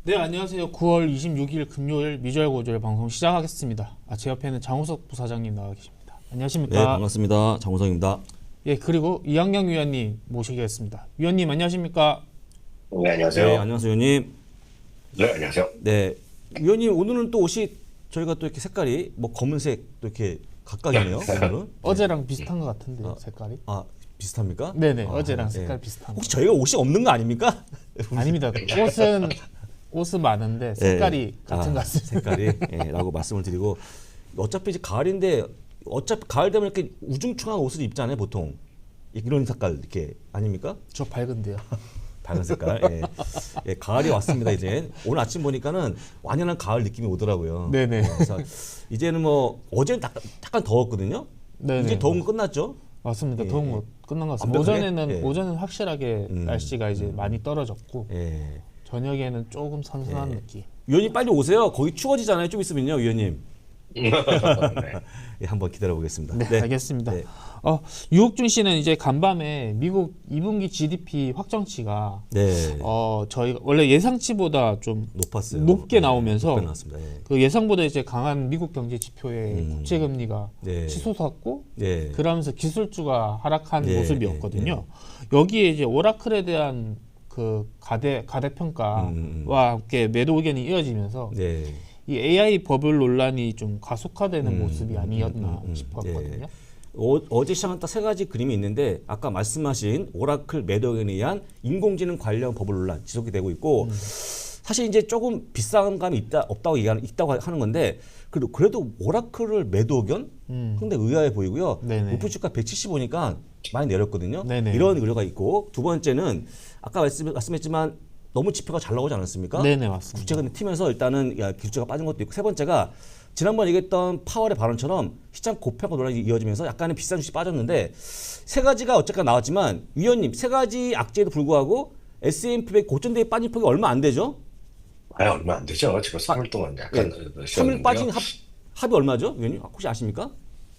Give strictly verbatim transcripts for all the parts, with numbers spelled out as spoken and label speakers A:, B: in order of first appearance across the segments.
A: 네, 안녕하세요. 구월 이십육일 금요일 미주알 고주알 방송 시작하겠습니다. 아, 제 옆에는 장우석 부사장님 나와 계십니다. 안녕하십니까?
B: 네, 반갑습니다. 장우성입니다.
A: 예, 그리고 이학영 위원님 모시겠습니다. 위원님 안녕하십니까?
C: 네, 안녕하세요.
B: 네, 안녕하세요, 위원님.
C: 네, 안녕하세요.
B: 네, 위원님 오늘은 또 옷이 저희가 또 이렇게 색깔이 뭐 검은색 또 이렇게 각각이네요. 오늘은.
A: 어제랑 비슷한 것 같은데요,
B: 아,
A: 색깔이?
B: 아, 비슷합니까?
A: 네네,
B: 아,
A: 어제랑
B: 네.
A: 색깔 비슷한
B: 혹시
A: 거.
B: 저희가 옷이 없는 거 아닙니까?
A: 아닙니다. 옷은 옷은 많은데 색깔이
B: 네.
A: 같은
B: 아,
A: 것 같습니다.
B: 색깔이 예, 라고 말씀을 드리고 어차피 이제 가을인데 어차피 가을 되면 이렇게 우중충한 옷을 입잖아요, 보통. 이런 색깔 이렇게 아닙니까?
A: 저 밝은데요.
B: 밝은 색깔. 예. 예, 가을이 왔습니다. 이제 오늘 아침 보니까는 완연한 가을 느낌이 오더라고요.
A: 네네.
B: 예, 그래서 이제는 뭐 어제는 약간, 약간 더웠거든요.
A: 네네.
B: 이제 더운 거 끝났죠?
A: 맞습니다.
B: 예,
A: 더운
B: 예.
A: 거 끝난 것 같습니다.
B: 완벽하게?
A: 오전에는
B: 예.
A: 오전은 확실하게
B: 음,
A: 날씨가 이제 많이 떨어졌고
B: 예.
A: 저녁에는 조금 선선한
B: 예.
A: 느낌.
B: 위원님 빨리 오세요. 거기 추워지잖아요. 좀 있으면요, 위원님.
C: 네.
B: 예, 한번 기다려 보겠습니다.
A: 네, 알겠습니다.
B: 네.
A: 어, 유옥준 씨는 이제 간밤에 미국 이 분기 지디피 확정치가
B: 네.
A: 어, 저희가 원래 예상치보다 좀
B: 높았어요.
A: 높게
B: 네,
A: 나오면서
B: 높게 나왔습니다. 예.
A: 그 예상보다 이제 강한 미국 경제 지표의
B: 음.
A: 국채 금리가
B: 네.
A: 치솟았고
B: 네.
A: 그러면서 기술주가 하락한
B: 네,
A: 모습이었거든요. 여기에 이제 오라클에 대한 그 가대 가대 평가와
B: 음, 음.
A: 함께 매도 의견이 이어지면서
B: 네.
A: 이 에이아이 버블 논란이 좀 가속화되는
B: 음,
A: 모습이 아니었나
B: 음, 음, 음.
A: 싶었거든요.
B: 예. 어, 어제 시작한 딱 세 가지 그림이 있는데 아까 말씀하신 오라클 매도 의견에 의한 인공지능 관련 버블 논란 지속이 되고 있고
A: 음.
B: 사실 이제 조금 비싼 감이 있다 없다고 얘기하는 있다고 하는 건데 그래도 그래도 오라클을 매도 의견
A: 음.
B: 상당히 의아해 보이고요.
A: 네네.
B: 목표 주가 백칠십오니까 많이 내렸거든요.
A: 네네.
B: 이런 우려가 있고 두 번째는 아까 말씀, 말씀했지만 너무 지표가 잘 나오지 않았습니까?
A: 네네, 맞습니다.
B: 국채가 튀면서 일단은 야, 기술주가 빠진 것도 있고 세 번째가 지난번 얘기했던 파월의 발언처럼 시장 고평가 논란이 이어지면서 약간의 비싼 주식이 빠졌는데 세 가지가 어쨌든 나왔지만 위원님 세 가지 악재에도 불구하고 에스 앤 피 백 고점대에 빠진 폭이 얼마 안 되죠?
C: 아, 얼마 안 되죠. 지금 삼 일 동안 약간
B: 네.
C: 네.
B: 삼 일 빠진 합, 합이 얼마죠? 위원님 혹시 아십니까?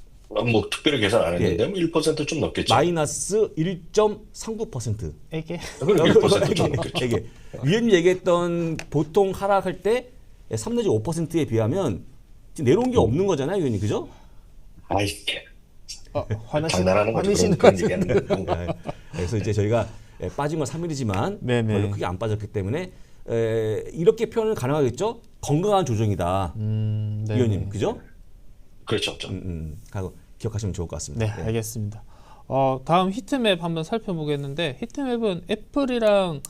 C: 뭐 특별히 계산 안 했는데 뭐 일 퍼센트 좀 넘겠죠.
B: 마이너스 일 점 삼구 퍼센트.
A: 에게
C: 그럼 일 퍼센트 좀 넘겠죠.
B: 이게 위원님 얘기했던 보통 하락할 때 삼 내지 오 퍼센트에 비하면 지금 내려온 게 없는 거잖아요, 위원님. 그죠?
C: 아이,
A: 어, 화나시,
C: 장난하는 거죠.
A: 화내시는
C: 그런,
A: 거
C: 그런 얘기하는 거.
B: 네. 그래서 이제 저희가 예, 빠진 건 삼 일이지만
A: 네네.
B: 별로 크게 안 빠졌기 때문에 에, 이렇게 표현은 가능하겠죠? 건강한 조정이다.
A: 음, 네.
B: 위원님. 그죠?
C: 그렇죠. 좀.
B: 음, 음. 하고 기억하시면 좋을 것 같습니다.
A: 네, 알겠습니다. 어, 다음 히트맵 한번 살펴보겠는데 히트맵은 애플이랑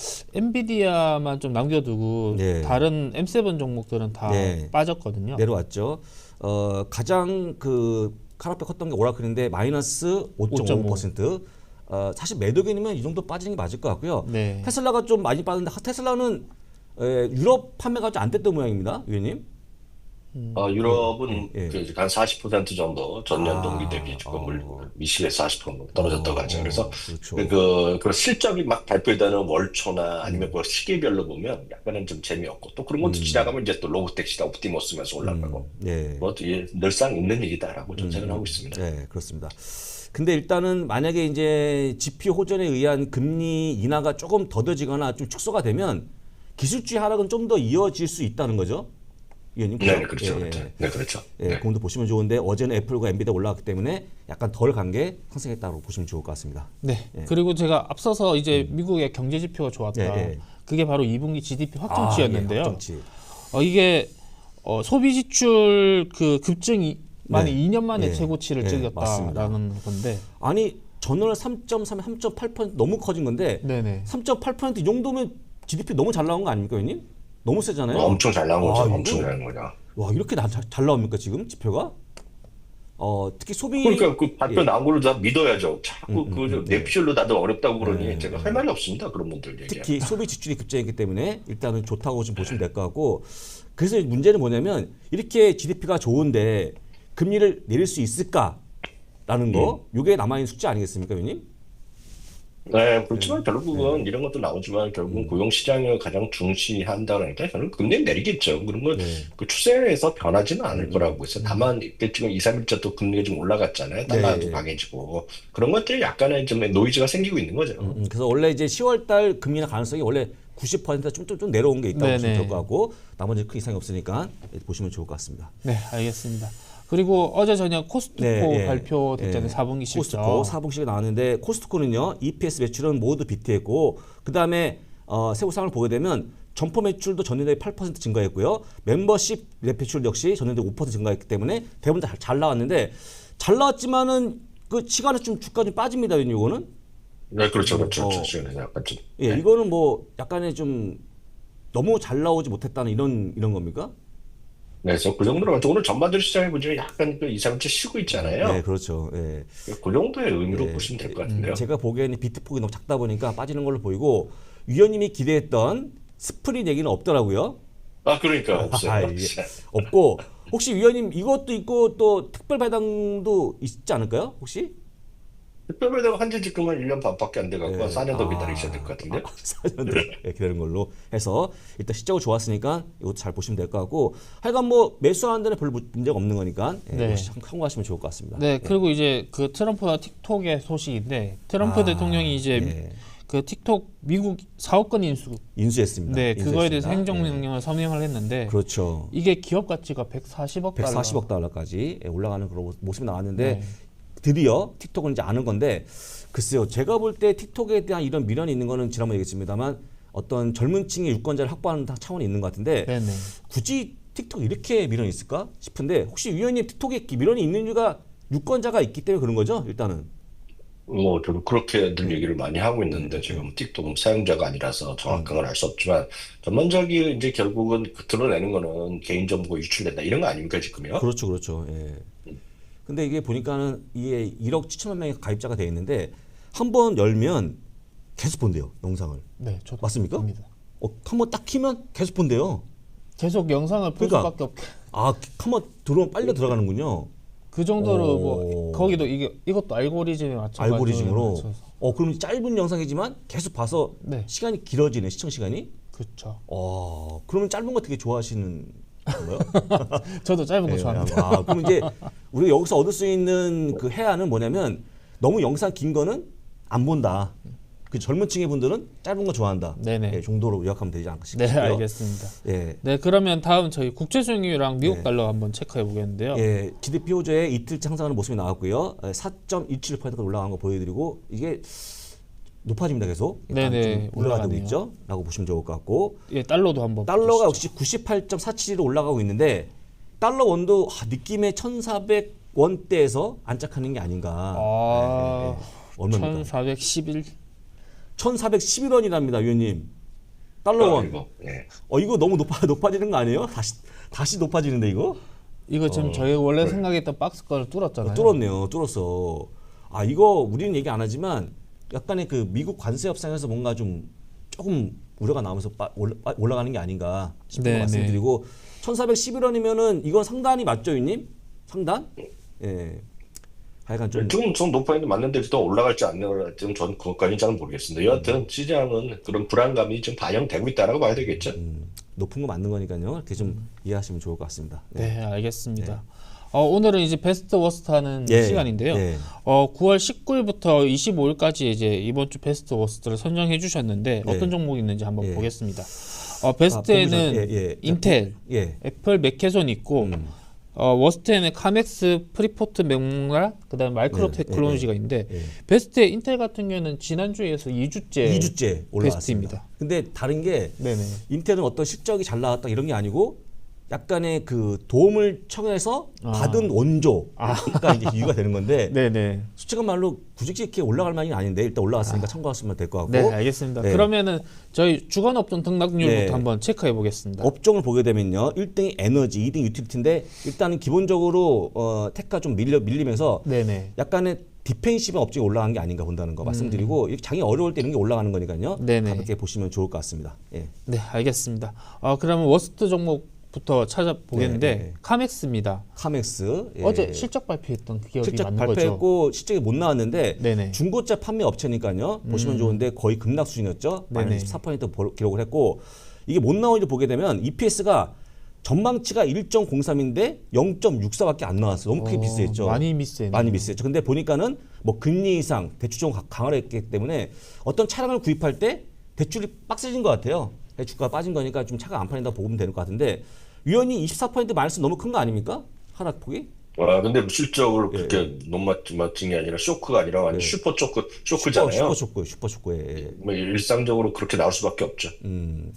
A: 엔비디아만 좀 남겨두고
B: 네.
A: 다른 엠 세븐 종목들은 다
B: 네.
A: 빠졌거든요.
B: 내려왔죠. 어, 가장 그 카라페 컸던 게 오라클인데 마이너스 오 점 오 퍼센트. 어, 사실 매도견이면 이 정도 빠지는 게 맞을 것 같고요.
A: 네.
B: 테슬라가 좀 많이 빠졌는데 테슬라는 에, 유럽 판매가 좀 안 됐던 모양입니다, 위원님.
C: 어, 유럽은
B: 예.
C: 그 한 사십 퍼센트 정도 전년
B: 아,
C: 동기 대비 조금
B: 어.
C: 미실에서 사십 퍼센트 떨어졌다고 하죠. 그래서
B: 그렇죠.
C: 그, 그, 그 실적이 막 발표되는 월초나 아니면 그 시기별로 보면 약간은 좀 재미없고 또 그런 것도 지나가면 이제 또 로보택시나 옵티머스면서 올라가고
B: 네.
C: 뭐 이게 늘상 있는 일이다라고 좀 생각하고 있습니다.
B: 네, 그렇습니다. 근데 일단은 만약에 이제 지표 호전에 의한 금리 인하가 조금 더뎌지거나 좀 축소가 되면 기술주의 하락은 좀 더 이어질 수 있다는 거죠, 위원님.
C: 네, 그렇죠.
B: 예,
C: 그렇죠. 네, 그렇죠.
B: 예,
C: 네.
B: 그것도 보시면 좋은데 어제는 애플과 엔비디아 올라갔기 때문에 약간 덜 간 게 상승했다고 보시면 좋을 것 같습니다.
A: 네. 그리고 제가 앞서서 이제 미국의 경제 지표가 좋았다.
B: 예, 예.
A: 그게 바로 이 분기 지디피 확정치였는데요.
B: 아, 예, 확정치.
A: 어, 이게 어, 소비 지출 그 급증이 만에
B: 네.
A: 이 년 만에
B: 예.
A: 최고치를
B: 예,
A: 찍었다라는 건데.
B: 아니 전월 삼 점 삼, 삼 점 팔 퍼센트 너무 커진 건데
A: 네네.
B: 삼 점 팔 퍼센트 이 정도면 지디피 너무 잘 나온 거 아닙니까, 위원님? 너무 세잖아요.
C: 엄청 잘 나온 거죠.
B: 아, 이거?
C: 엄청 잘 나온 거죠.
B: 와, 이렇게 나, 잘, 잘 나옵니까 지금 지표가? 어, 특히 소비
C: 그러니까 그 발표
B: 예.
C: 나온 걸로 다 믿어야죠. 자꾸
B: 음, 음,
C: 그
B: 음, 네.
C: 내피셜로 다들 어렵다고 그러니
B: 네,
C: 제가 할 말이 없습니다. 그런 분들 얘기.
B: 특히 소비 지출이 급증했기 때문에 일단은 좋다고 좀 보시면 될 것 같고 그래서 문제는 뭐냐면 이렇게 지디피가 좋은데 금리를 내릴 수 있을까라는 거 이게 남아있는 숙제 아니겠습니까, 위원님?
C: 네, 그렇지만 결국은 이런 것도 나오지만 결국은 고용 시장을 가장 중시한다 그러니까 저는 금리 내리겠죠. 그런 걸
B: 네.
C: 그 추세에서 변하지는 않을 거라고 해서 다만 이게 지금 이, 삼 일째 또 금리가 좀 올라갔잖아요. 달러도
B: 네.
C: 강해지고 그런 것들이 약간의 좀 노이즈가 생기고 있는 거죠.
B: 음, 그래서 원래 이제 시월 달 금리 인하 가능성이 원래 구십 퍼센트 좀, 좀, 좀 내려온 게 있다고 보시면
A: 네네.
B: 될 것 같고 나머지 큰 이상이 없으니까 보시면 좋을 것 같습니다.
A: 네, 알겠습니다. 그리고 어제 저녁 코스트코
B: 네, 예.
A: 발표됐잖아요.
B: 예.
A: 사 분기 실적.
B: 코스트코 사 분기가 나왔는데 코스트코는요 이피에스 매출은 모두 비트했고 그 다음에 어, 세부 상을 보게 되면 점포 매출도 전년 대비 팔 퍼센트 증가했고요. 멤버십 매출 역시 전년 대비 오 퍼센트 증가했기 때문에 대부분 다 잘 나왔는데 잘 나왔지만은 그 시간에 좀 주가 좀 빠집니다. 이거는
C: 네, 그렇죠, 그렇죠.
B: 어.
C: 그렇죠. 지금 약간 좀.
B: 예
C: 네.
B: 이거는 뭐 약간의 좀 너무 잘 나오지 못했다는 이런 이런 겁니까?
C: 네, 그래서 그 정도로 오늘 전반적으로 시장을 보시면 약간 그 이삼일치 쉬고 있잖아요.
B: 네 그렇죠. 예.
C: 그 정도의 의미로
B: 네.
C: 보시면 될 것 같은데요.
B: 제가 보기에는 비트폭이 너무 작다 보니까 빠지는 걸로 보이고 위원님이 기대했던 스프릿 얘기는 없더라고요.
C: 아, 그러니까 없어요.
B: 아, 이게 없고 혹시 위원님 이것도 있고 또 특별 배당도 있지 않을까요? 혹시?
C: 특별배당 한지 지금 한 일 년 반밖에 안 돼갖고
B: 네.
C: 사 년 더
B: 아.
C: 기다리셔야 될 것 같은데.
B: 사 년 더 기다리는 걸로 해서 일단 실적이 좋았으니까 이것도 잘 보시면 될 것 같고 하여간 뭐 매수하는 데는 별 문제가 없는 거니까 예,
A: 네.
B: 역시 참고하시면 좋을 것 같습니다.
A: 네, 그리고 이제 그 트럼프와 틱톡의 소식인데 트럼프
B: 아,
A: 대통령이 이제
B: 예.
A: 그 틱톡 미국 사업권 인수,
B: 인수했습니다.
A: 네, 그거에 대해서
B: 인수했습니다.
A: 행정명령을 서명을 했는데
B: 예. 그렇죠.
A: 이게 기업 가치가 백사십억 달러.
B: 백사십억 달러까지 올라가는 그런 모습이 나왔는데
A: 네.
B: 드디어 틱톡은 이제 아는 건데 글쎄요 제가 볼 때 틱톡에 대한 이런 미련이 있는 거는 지난번에 얘기했습니다만 어떤 젊은 층의 유권자를 확보하는 차원이 있는 것 같은데
A: 네네.
B: 굳이 틱톡 이렇게 미련이 있을까 싶은데 혹시 위원님 틱톡에 미련이 있는 이유가 유권자가 있기 때문에 그런 거죠 일단은.
C: 뭐 저도 그렇게 늘 얘기를 많이 하고
B: 네.
C: 있는데 지금 틱톡 사용자가 아니라서 정확한 건 알 수 없지만 전반적인 이제 결국은 그 드러내는 거는 개인정보 유출된다 이런 거 아닙니까 지금요?
B: 그렇죠, 그렇죠. 예. 근데 이게 보니까는 이게 일억 칠천만 명이 가입자가 돼 있는데 한 번 열면 계속 본대요 영상을.
A: 네, 저도
B: 맞습니까?
A: 봅니다.
B: 어, 한번 딱 키면 계속 본대요.
A: 계속 영상을 볼
B: 그러니까.
A: 수밖에 없게.
B: 아, 한번 들어오면 빨려 들어가는군요.
A: 그 정도로
B: 오.
A: 뭐 거기도 이게 이것도 알고리즘에 맞춰가지고
B: 알고리즘으로.
A: 맞춰서.
B: 어, 그럼 짧은 영상이지만 계속 봐서
A: 네.
B: 시간이 길어지네 시청 시간이.
A: 그렇죠.
B: 어, 그러면 짧은 거 되게 좋아하시는 건가요?
A: 저도 짧은 거
B: 네,
A: 좋아합니다.
B: 아, 그럼 이제 우리가 여기서 얻을 수 있는 그 해안은 뭐냐면 너무 영상 긴 거는 안 본다. 그 젊은 층의 분들은 짧은 거 좋아한다.
A: 네네.
B: 예, 정도로 요약하면 되지 않을까
A: 네,
B: 싶고요.
A: 알겠습니다.
B: 예.
A: 네, 그러면 다음 저희 국제 수익률이랑 미국
B: 네.
A: 달러 한번 체크해 보겠는데요.
B: 예, 지디피 호조의 이틀째 상승하는 모습이 나왔고요. 사 점 이칠 퍼센트가 올라간 거 보여드리고 이게 높아집니다 계속. 일단
A: 네네,
B: 좀 올라가고
A: 올라가네요.
B: 있죠. 라고 보시면 좋을 것 같고
A: 예, 달러도 한번
B: 달러가
A: 보시죠.
B: 역시 구십팔 점 사칠로 올라가고 있는데 달러 원도 아, 느낌에 천사백 원대에서 안착하는 게 아닌가.
A: 아,
B: 예, 예, 예. 얼마입니까?
A: 천사백십일.
B: 천사백십일 원이랍니다, 위원님. 달러 원.
C: 이거, 예.
B: 어 이거 너무 높아 높아지는 거 아니에요? 다시 다시 높아지는데 이거?
A: 이거 지금
C: 어,
A: 저희 원래
C: 그래.
A: 생각했던 박스 거를 뚫었잖아요.
B: 어, 뚫었네요. 뚫었어. 아 이거 우리는 얘기 안 하지만 약간의 그 미국 관세 협상에서 뭔가 좀 조금 우려가 나오면서 빠, 올라, 빠- 올라가는 게 아닌가 싶은
A: 네,
B: 거 말씀드리고 천사백십일 원이면은 이건 상단이 맞죠, 위님? 상단? 예. 하여간 좀
C: 지금 좀 높아 있는데 맞는데 더 올라갈지 안 올라갈지는 전 그것까지는 잘 모르겠습니다. 여하튼 시장은 그런 불안감이 좀 반영되고 있다라고 봐야 되겠죠.
B: 음, 높은 거 맞는 거니까요. 이렇게 좀 이해하시면 좋을 것 같습니다.
A: 네, 알겠습니다. 어, 오늘은 이제 베스트 워스트 하는
B: 예,
A: 시간인데요.
B: 예.
A: 어, 구월 십구일부터 이십오일까지 이제 이번 주 베스트 워스트를 선정해 주셨는데
B: 예.
A: 어떤 종목이 있는지 한번
B: 예.
A: 보겠습니다. 어, 베스트에는
B: 아, 보기 전- 예, 예.
A: 인텔,
B: 예.
A: 애플, 맥케손 있고
B: 음.
A: 어, 워스트에는 카맥스, 프리포트, 맥라, 그다음에 마이크로
B: 네,
A: 테크놀로지가
B: 예,
A: 있는데
B: 예.
A: 베스트의 인텔 같은 경우는 지난주에서 이 주째
B: 이 주째 올라왔습니다.
A: 베스트입니다.
B: 근데 다른 게
A: 네네.
B: 인텔은 어떤 실적이 잘 나왔다 이런 게 아니고 약간의 그 도움을 청해서
A: 아.
B: 받은 원조가 이제 이유가 되는 건데
A: 네네.
B: 솔직한 말로 굳이 이렇게 올라갈 만이 아닌데 일단 올라갔으니까 참고하시면 될 것 같고
A: 네, 알겠습니다.
B: 네.
A: 그러면은 저희 주간 업종 등락률부터
B: 네.
A: 한번 체크해 보겠습니다.
B: 업종을 보게 되면요 일 등이 에너지, 이 등이 유틸리티인데 일단은 기본적으로 어, 테크가 좀 밀려 밀리면서
A: 네네.
B: 약간의 디펜시브 업종이 올라간 게 아닌가 본다는 거 말씀드리고 이렇게 장이 어려울 때 이런 게 올라가는 거니까요.
A: 음. 네네.
B: 가볍게 보시면 좋을 것 같습니다. 예.
A: 네, 알겠습니다. 어, 그러면 워스트 종목부터 찾아보겠는데
B: 네, 네.
A: 카맥스입니다.
B: 카맥스 예.
A: 어제 실적 발표했던 그 기업이
B: 실적
A: 맞는 거죠?
B: 발표했고 실적이 못 나왔는데
A: 네네.
B: 중고차 판매 업체니까요. 보시면 좋은데 거의 급락 수준이었죠.
A: 네네.
B: 마이너스 십사 퍼센트 기록을 했고 이게 못 나오는지 보게 되면 이피에스가 전망치가 일 점 공삼인데 영 점 육사밖에 안 나왔어요. 너무 크게
A: 어,
B: 미스했죠.
A: 많이 미스했네요.
B: 많이 미스했죠. 근데 보니까는 뭐 금리 인상, 대출 좀 강화를 했기 때문에 어떤 차량을 구입할 때 대출이 빡세진 것 같아요. 주가가 빠진 거니까 좀 차가 안 팔린다 보면 되는 것 같은데 위원이 이십사 퍼센트 마이너스 너무 큰 거 아닙니까? 하락폭이?
C: 와, 근데 뭐 실적으로
B: 예,
C: 그렇게 너무 맞- 맞은 게 아니라 쇼크가 아니라 완전
B: 예.
C: 슈퍼 쇼크,
B: 슈퍼
C: 쇼크잖아요.
B: 슈퍼 쇼크 슈퍼 쇼크에 예.
C: 뭐 일상적으로 그렇게 나올 수밖에 없죠.
B: 음,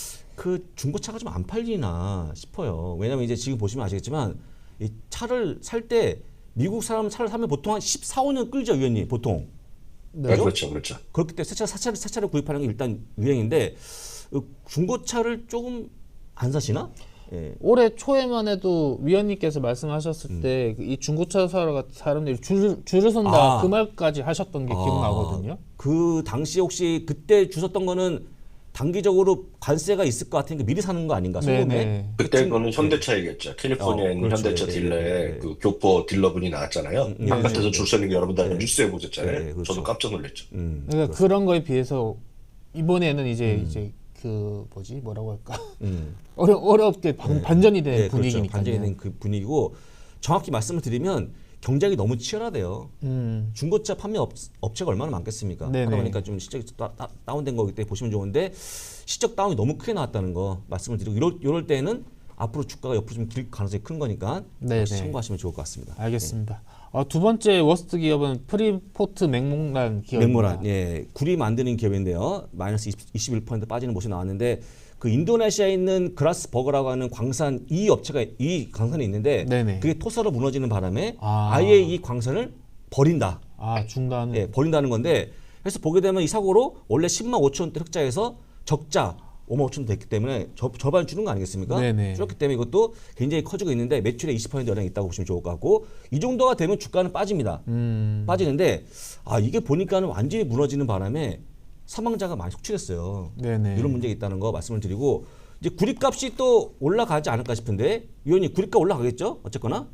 B: 그 중고차가 좀 안 팔리나 싶어요. 왜냐면 이제 지금 보시면 아시겠지만 이 차를 살 때 미국 사람 차를 사면 보통 한 십사, 오 년 끌죠, 위원님 보통.
C: 네, 그렇죠, 그렇죠.
B: 그렇기 때문에 새 차, 새 차를, 새 차를 구입하는 게 일단 유행인데 어, 중고차를 조금 안 사시나? 예.
A: 올해 초에만 해도 위원님께서 말씀하셨을 때 이 중고차 사러 사람들이 줄, 줄을 선다
B: 아.
A: 그 말까지 하셨던 게 기억나거든요.
B: 그 당시 혹시 그때 주셨던 거는 단기적으로 관세가 있을 것 같으니까 미리 사는 거 아닌가? 소금에?
A: 네네.
C: 그때 그거는 현대차이겠죠. 캘리포니아에
B: 어,
C: 있는
B: 그렇죠.
C: 현대차
B: 예,
C: 딜러에
B: 예, 예.
C: 그 교포 딜러분이 나왔잖아요.
B: 음,
C: 바깥에서
B: 예,
C: 줄 서는 게 여러분 다
B: 예.
C: 뉴스에 보셨잖아요.
B: 예, 그렇죠.
C: 저도 깜짝 놀랐죠.
B: 음,
A: 그러니까 그런 거에 비해서 이번에는 이제 이제 그 뭐지 뭐라고 할까
B: 음.
A: 어려 어렵게 반, 반전이 된
B: 예, 그렇죠.
A: 분위기니까요.
B: 반전이 된 그 분위기고 정확히 말씀을 드리면 경쟁이 너무 치열하대요.
A: 음.
B: 중고차 판매 업, 업체가 얼마나 많겠습니까?
A: 네네.
B: 하다 보니까 좀 실적이 다, 다, 다운된 거기 때문에 보시면 좋은데 실적 다운이 너무 크게 나왔다는 거 말씀을 드리고 이럴, 이럴 때는 앞으로 주가가 옆으로 좀 길 가능성이 큰 거니까
A: 네네.
B: 역시 참고하시면 좋을 것 같습니다.
A: 알겠습니다. 어, 두 번째 워스트 기업은 프리포트 맥모란 기업입니다.
B: 맥모란, 예, 구리 만드는 기업인데요. 마이너스 이십일 퍼센트 빠지는 모습이 나왔는데 그 인도네시아에 있는 그라스버거라고 하는 광산 이 업체가 이 광산이 있는데
A: 네네.
B: 그게 토사로 무너지는 바람에
A: 아.
B: 아예 이 광산을 버린다.
A: 아 중간.
B: 예, 버린다는 건데 그래서 보게 되면 이 사고로 원래 십만 오천 원대 흑자에서 적자 오만 오천 원 됐기 때문에 저, 절반 줄은 거 아니겠습니까?
A: 네네.
B: 줄었기 때문에 이것도 굉장히 커지고 있는데 매출에 이십 퍼센트 영향이 있다고 보시면 좋을 것 같고 이 정도가 되면 주가는 빠집니다.
A: 음.
B: 빠지는데 아 이게 보니까는 완전히 무너지는 바람에 사망자가 많이 속출했어요.
A: 네네.
B: 이런 문제가 있다는 거 말씀을 드리고 이제 구리값이 또 올라가지 않을까 싶은데 위원님 구리값 올라가겠죠? 어쨌거나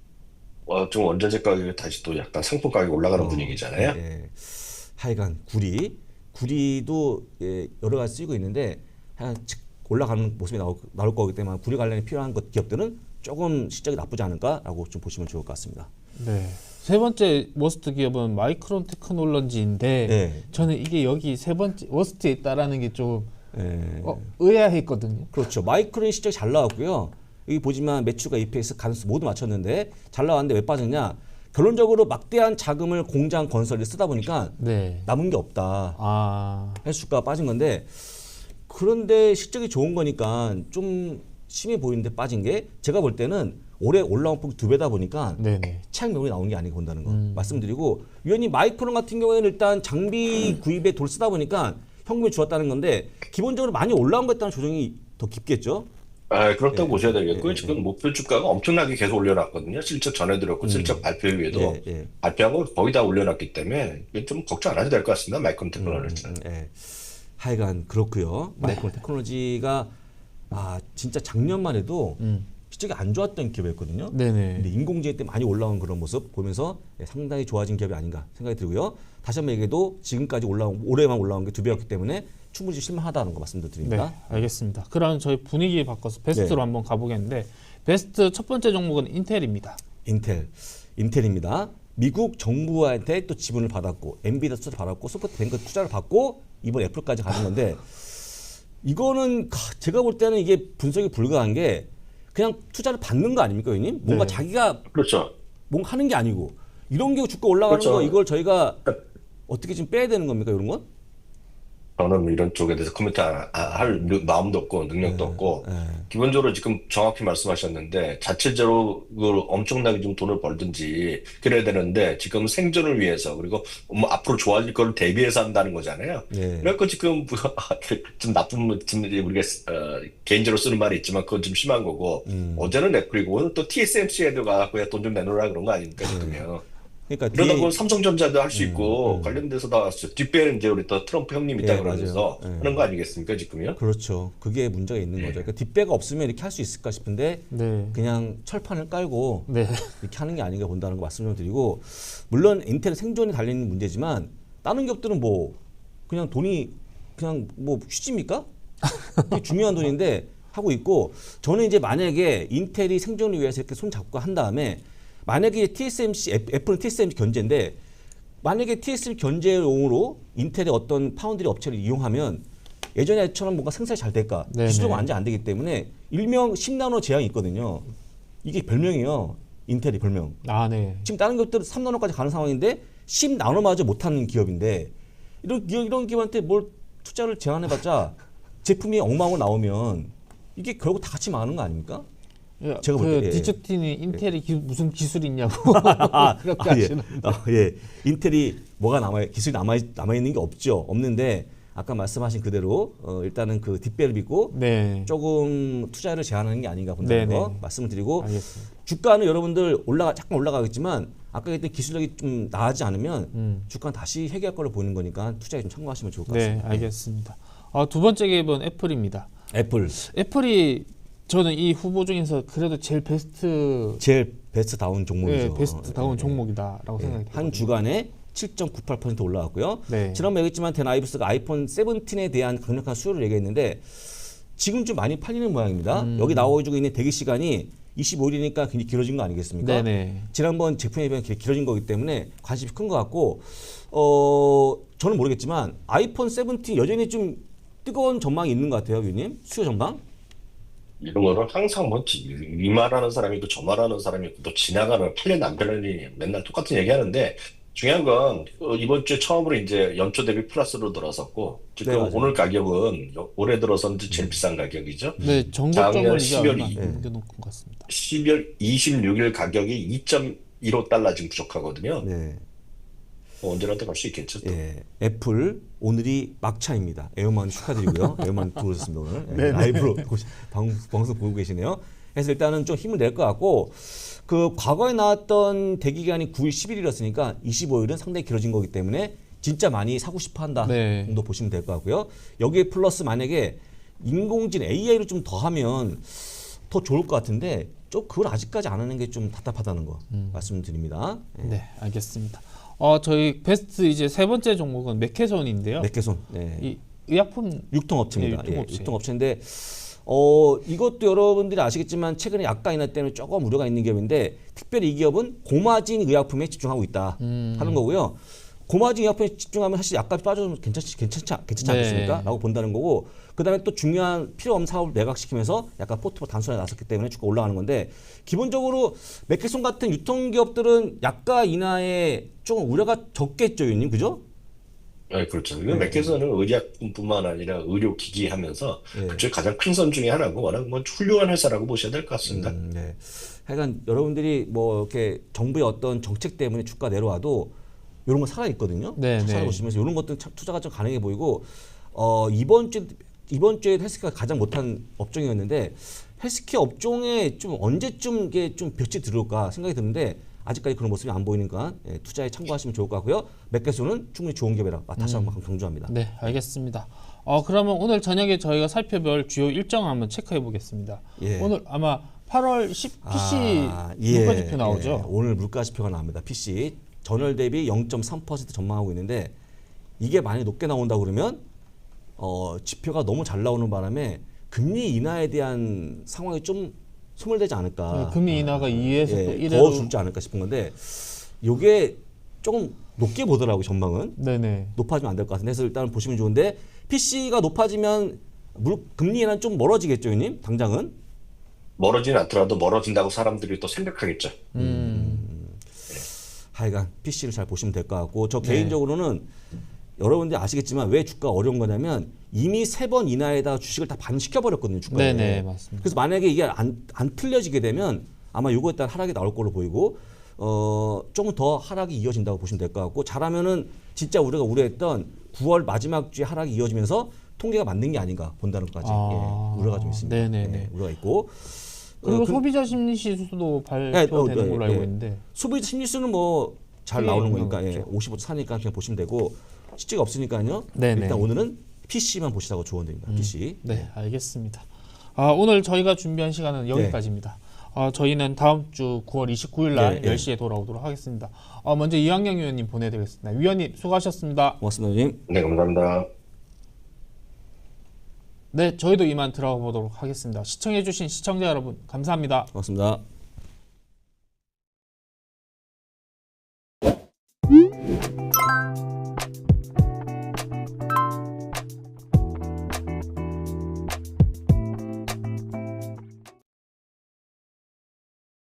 C: 어, 좀 원자재 가격이 다시 또 약간 상품 가격이 올라가는 분위기잖아요.
B: 예. 하여간 구리 구리도 예, 여러 가지 쓰이고 있는데 하여간 즉 올라가는 모습이 나올, 나올 거기 때문에 구리 관련이 필요한 것 기업들은 조금 실적이 나쁘지 않을까라고 좀 보시면 좋을 것 같습니다.
A: 네. 세 번째 워스트 기업은 마이크론 테크놀로지인데
B: 네.
A: 저는 이게 여기 세 번째 워스트에 있다라는 게 좀
B: 예.
A: 어, 의아했거든요.
B: 그렇죠. 마이크론 실적이 잘 나왔고요. 여기 보지만 매출과 이피에스 가능성 모두 맞췄는데 잘 나왔는데 왜 빠졌냐? 결론적으로 막대한 자금을 공장 건설에 쓰다 보니까
A: 네.
B: 남은 게 없다.
A: 아.
B: 해서 주가가 빠진 건데 그런데 실적이 좋은 거니까 좀 심해 보이는데 빠진 게 제가 볼 때는 올해 올라온 폭이 두 배다 보니까
A: 네네.
B: 차익 매물이 나오는 게 아니고 본다는 거
A: 음.
B: 말씀드리고 위원님 마이크론 같은 경우에는 일단 장비 구입에 돈 쓰다 보니까 현금이 줄었다는 건데 기본적으로 많이 올라온 거에 따른 조정이 더 깊겠죠.
C: 아, 그렇다고
B: 예,
C: 보셔야 되겠고요.
B: 예,
C: 지금 목표 주가가 엄청나게 계속 올려놨거든요. 실적 전해드렸고 실적 발표 후에도
B: 예, 예.
C: 발표한 거 거의 다 올려놨기 때문에 이게 좀 걱정 안 해도 될 것 같습니다. 마이크론 테크놀로지는.
B: 예. 하여간 그렇고요. 마이크론 테크놀로지가 아 진짜 작년만 해도
A: 음.
B: 실적이 안 좋았던 기업이었거든요.
A: 네네.
B: 근데 인공지능 때 많이 올라온 그런 모습 보면서 예, 상당히 좋아진 기업이 아닌가 생각이 들고요. 다시 한번 얘기해도 지금까지 올라온 올해만 올라온 게 두 배였기 때문에 충분히 실망하다는 거 말씀드립니다.
A: 네, 알겠습니다. 그럼 저희 분위기 바꿔서 베스트로
B: 네.
A: 한번 가보겠는데 베스트 첫 번째 종목은 인텔입니다.
B: 인텔, 인텔입니다. 미국 정부한테 또 지분을 받았고 엔비디아 투자를 받았고 소프트뱅크 투자를 받고 이번 애플까지 가는 건데 이거는 제가 볼 때는 이게 분석이 불가한 게 그냥 투자를 받는 거 아닙니까, 의원님? 뭔가
A: 네.
B: 자기가
C: 그렇죠.
B: 뭔가 하는 게 아니고 이런 게 주가 올라가는
C: 그렇죠.
B: 거 이걸 저희가 어떻게 좀 빼야 되는 겁니까, 이런 건?
C: 저는 뭐 이런 쪽에 대해서 코멘트 안- 아- 할 마음도 없고 능력도 없고 기본적으로 지금 정확히 말씀하셨는데 자체적으로 그걸 엄청나게 좀 돈을 벌든지 그래야 되는데 지금 생존을 위해서 그리고 뭐 앞으로 좋아질 걸 대비해서 한다는 거잖아요.
B: 네.
C: 그러니까 지금 좀 나쁜 좀 우리가 어, 개인적으로 쓰는 말이 있지만 그건 좀 심한 거고 어제는 애플이고 오늘 또 티에스엠씨에도 가갖고 돈 좀 내놓으라 그런 거 아닙니까 지금요.
B: 그러니까
C: 이러다
B: 뒤에-
C: 보면 삼성전자도 할 수 있고 관련돼서 나왔어요. 뒷배는 이제 우리 또 트럼프 형님 있다
B: 예,
C: 그러면서
B: 맞아요. 예.
C: 하는 거 아니겠습니까 지금요?
B: 그렇죠. 그게 문제가 있는 거죠. 그러니까 뒷배가 없으면 이렇게 할 수 있을까 싶은데
A: 네.
B: 그냥 철판을 깔고
A: 네.
B: 이렇게 하는 게 아닌가 본다는 거 말씀 좀 드리고 물론 인텔 생존이 달리는 문제지만 다른 기업들은 뭐 그냥 돈이 그냥 뭐 휴지입니까? 그게 중요한 돈인데 하고 있고 저는 이제 만약에 인텔이 생존을 위해서 이렇게 손 잡고 한 다음에 만약에 티에스엠씨 애- 애플은 티에스엠씨 견제인데 만약에 티에스엠씨 견제용으로 인텔의 어떤 파운드리 업체를 이용하면 예전에처럼 뭔가 생산이 잘 될까?
A: 네네.
B: 기술적으로 완전 안 되기 때문에 일명 십 나노 제한이 있거든요. 이게 별명이에요. 인텔이 별명.
A: 아, 네.
B: 지금 다른 기업들은 삼 나노까지 가는 상황인데 십 나노마저 못하는 기업인데 이런 기업, 이런 기업한테 뭘 투자를 제한해봤자 제품이 엉망으로 나오면 이게 결국 다 같이 망하는 거 아닙니까?
A: 예,
B: 제가 볼
A: 그
B: 때, 예.
A: 디저틴이 인텔이 기, 무슨 기술이 있냐고
B: 아,
A: 그렇게
B: 아, 예.
A: 하시는.
B: 아, 예. 인텔이 뭐가 남아 기술이 남아 남아 있는 게 없죠. 없는데 아까 말씀하신 그대로 어, 일단은 그 뒷배를 빚고
A: 네.
B: 조금 투자를 제한하는 게 아닌가 본다는
A: 네네.
B: 거 말씀을 드리고
A: 알겠습니다.
B: 주가는 여러분들 올라가 잠깐 올라가겠지만 아까 했던 기술력이 좀 나아지지 않으면
A: 음.
B: 주가는 다시 회귀할 걸로 보이는 거니까 투자에 좀 참고하시면 좋을 것
A: 네,
B: 같습니다.
A: 알겠습니다. 아, 두 번째 기업은 애플입니다.
B: 애플
A: 애플이 저는 이 후보 중에서 그래도 제일 베스트
B: 제일 베스트 다운 종목이죠.
A: 예, 베스트 다운
B: 예, 예.
A: 종목이다라고
B: 예,
A: 생각이
B: 한
A: 들거든요.
B: 주간에 칠 점 구팔 퍼센트 올라왔고요.
A: 네.
B: 지난번에 얘기했지만 데나이브스가 아이폰 세븐틴에 대한 강력한 수요를 얘기했는데 지금 좀 많이 팔리는 모양입니다.
A: 음.
B: 여기 나와주고 있는 대기 시간이 이십오 일이니까 굉장히 길어진 거 아니겠습니까?
A: 네네.
B: 지난번 제품에 비해 길어진 거기 때문에 관심이 큰 것 같고 어 저는 모르겠지만 아이폰 세븐틴 여전히 좀 뜨거운 전망이 있는 것 같아요, 위원님. 수요 전망?
C: 이런 거는 항상 뭐 이 말하는 사람이 있고 저 말하는 사람이 있고 또 지나가는 팔린 안 팔린이 맨날 똑같은 얘기하는데 중요한 건 어, 이번 주에 처음으로 이제 연초 대비 플러스로 들어섰고 지금
B: 네, 맞아요.
C: 오늘 가격은 요- 올해 들어선 제일 비싼 가격이죠.
A: 네, 정고점을
C: 작년
A: 이제
C: 십이월
A: 얼마 안
C: 이-
A: 넘겨놓은 것 같습니다.
C: 십이월 이십육 일 가격이 이 점 일오 달러 지금 부족하거든요.
B: 네.
C: 뭐 언제라도 갈 수 있겠죠. 또.
B: 예, 애플 오늘이 막차입니다. 에어만 축하드리고요. 에어만 들어오셨습니다 오늘. 예,
A: 네네.
B: 라이브로 보시- 방, 방송 보고 계시네요. 그래서 일단은 좀 힘을 낼 것 같고 그 과거에 나왔던 대기 기간이 구 일, 십일 일이었으니까 이십오 일은 상당히 길어진 거기 때문에 진짜 많이 사고 싶어 한다
A: 네.
B: 정도 보시면 될 것 같고요. 여기에 플러스 만약에 인공지능 에이아이를 좀 더하면 더 좋을 것 같은데 좀 그걸 아직까지 안 하는 게 좀 답답하다는 거 말씀드립니다. 예.
A: 네, 알겠습니다. 어, 저희 베스트 이제 세 번째 종목은 맥케손인데요.
B: 맥케손. 네.
A: 이 의약품
B: 유통업체입니다.
A: 네,
B: 예,
A: 유통업체.
B: 유통업체인데 어 이것도 여러분들이 아시겠지만 최근에 약가 인하 때문에 조금 우려가 있는 기업인데 특별히 이 기업은 고마진 의약품에 집중하고 있다
A: 음.
B: 하는 거고요. 고마진 의약품에 집중하면 사실 약값이 빠져도 괜찮지 괜찮지 않- 괜찮지
A: 네.
B: 않겠습니까? 라고 본다는 거고 그다음에 또 중요한 필요 없는 사업을 매각시키면서 약간 포트폴리오 단순화에 나섰기 때문에 주가 올라가는 건데 기본적으로 맥케손 같은 유통기업들은 약가 인하에 조금 우려가 적겠죠, 유님 그죠?
C: 네, 그렇죠. 이건 맥케슨은 의약품뿐만 아니라 의료기기 하면서
B: 예.
C: 그쪽에 가장 큰 선 중에 하나고 워낙 뭐 훌륭한 회사라고 보셔야 될 것 같습니다.
B: 음, 네. 하여간 여러분들이 뭐 이렇게 정부의 어떤 정책 때문에 주가 내려와도 이런 거 살아 있거든요.
A: 네, 네.
B: 찾아보시면서 이런 것들 참 투자가 좀 가능해 보이고 어, 이번 주 이번 주에 헬스케어가 가장 못한 업종이었는데 헬스케어 업종에 좀 언제쯤 이게 좀 볕이 들어올까 생각이 드는데 아직까지 그런 모습이 안 보이니까 예, 투자에 참고하시면 좋을 것 같고요. 맥케손은 충분히 좋은 기업이라 다시 한번 강조합니다.
A: 네, 알겠습니다. 어, 그러면 오늘 저녁에 저희가 살펴볼 주요 일정을 한번 체크해 보겠습니다.
B: 예.
A: 오늘 아마 팔월 십 피씨
B: 아, 예,
A: 물가지표 나오죠.
B: 예. 오늘 물가지표가 나옵니다. 피씨 전월 대비 영 점 삼 퍼센트 전망하고 있는데 이게 많이 높게 나온다 그러면 어, 지표가 너무 잘 나오는 바람에 금리 인하에 대한 상황이 좀 소멸되지 않을까.
A: 네, 금리 인하가 이에서 또
B: 예,
A: 일회로
B: 더 줄지 않을까 싶은 건데 이게 조금 높게 보더라고 전망은.
A: 네네.
B: 높아지면 안 될 것 같은데 그래서 일단 보시면 좋은데 피씨가 높아지면 물, 금리 인하는 좀 멀어지겠죠, 형님? 당장은.
C: 멀어지진 않더라도 멀어진다고 사람들이 또 생각하겠죠.
A: 음.
B: 하여간 피씨를 잘 보시면 될 것 같고 저
A: 네.
B: 개인적으로는 여러분들이 아시겠지만 왜 주가가 어려운 거냐면 이미 세 번 이나에다 주식을 다 반시켜 버렸거든요 주가에.
A: 네네, 맞습니다.
B: 그래서 만약에 이게 안, 안 틀려지게 되면 아마 요거에 따라 하락이 나올 걸로 보이고 어 조금 더 하락이 이어진다고 보시면 될 것 같고 잘하면은 진짜 우리가 우려했던 구월 마지막 주에 하락이 이어지면서 통계가 맞는 게 아닌가 본다는 것까지
A: 아,
B: 예, 우려가 좀 있습니다.
A: 네네네.
B: 예, 우려가 있고
A: 그리고
B: 어, 그-
A: 소비자 심리 지수도
B: 네,
A: 발표되는
B: 어, 네,
A: 걸로 알고
B: 네.
A: 있는데
B: 소비 심리수는 뭐 잘
A: 크게
B: 나오는
A: 영향
B: 거니까 예,
A: 없죠.
B: 오십오 사니까 그냥 보시면 되고 실제가 없으니까요.
A: 네네.
B: 일단 오늘은 피씨만 보시라고 조언드립니다. 피씨.
A: 네, 알겠습니다. 아, 오늘 저희가 준비한 시간은 여기까지입니다. 아, 저희는 다음 주 구월 이십구일 날
B: 네, 네.
A: 열 시에 돌아오도록 하겠습니다. 아, 먼저 이학영 위원님 보내드리겠습니다. 위원님 수고하셨습니다.
B: 고맙습니다, 님.
C: 네, 감사합니다.
A: 네, 저희도 이만 들어가 보도록 하겠습니다. 시청해주신 시청자 여러분 감사합니다.
B: 고맙습니다.